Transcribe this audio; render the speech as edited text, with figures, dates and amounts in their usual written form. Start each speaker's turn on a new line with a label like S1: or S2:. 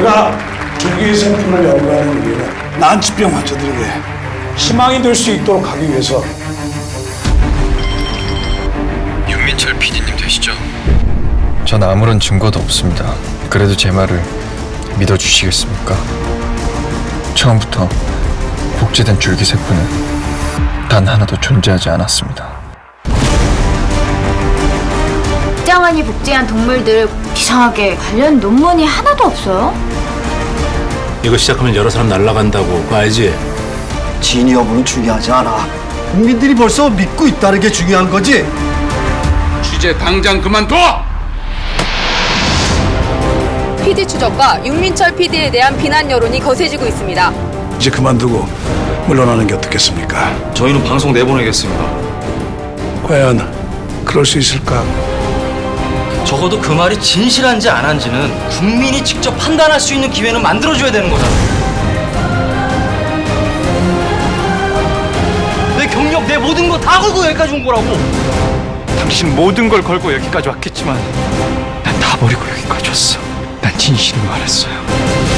S1: 제가 줄기세포를 연구하는 이유는 난치병 환자들에게 희망이 될 수 있도록 하기 위해서.
S2: 윤민철 PD님 되시죠? 전 아무런 증거도 없습니다. 그래도 제 말을 믿어주시겠습니까? 처음부터 복제된 줄기세포는 단 하나도 존재하지 않았습니다.
S3: 국장환이 복제한 동물들 이상하게 관련 논문이 하나도 없어요?
S4: 이거 시작하면 여러 사람 날아간다고 그거 알지?
S5: 진위 여부는 중요하지 않아. 국민들이 벌써 믿고 있다는 게 중요한 거지.
S6: 취재 당장 그만둬!
S7: PD 추적과 윤민철 PD에 대한 비난 여론이 거세지고 있습니다.
S1: 이제 그만두고 물러나는 게 어떻겠습니까?
S2: 저희는 방송 내보내겠습니다.
S1: 과연 그럴 수 있을까?
S8: 적어도 그 말이 진실한지 안 한지는 국민이 직접 판단할 수 있는 기회는 만들어줘야 되는 거잖아요. 내 경력, 내 모든 거 다 걸고 여기까지 온 거라고.
S2: 당신 모든 걸 걸고 여기까지 왔겠지만 난 다 버리고 여기까지 왔어. 난 진실을 말했어요.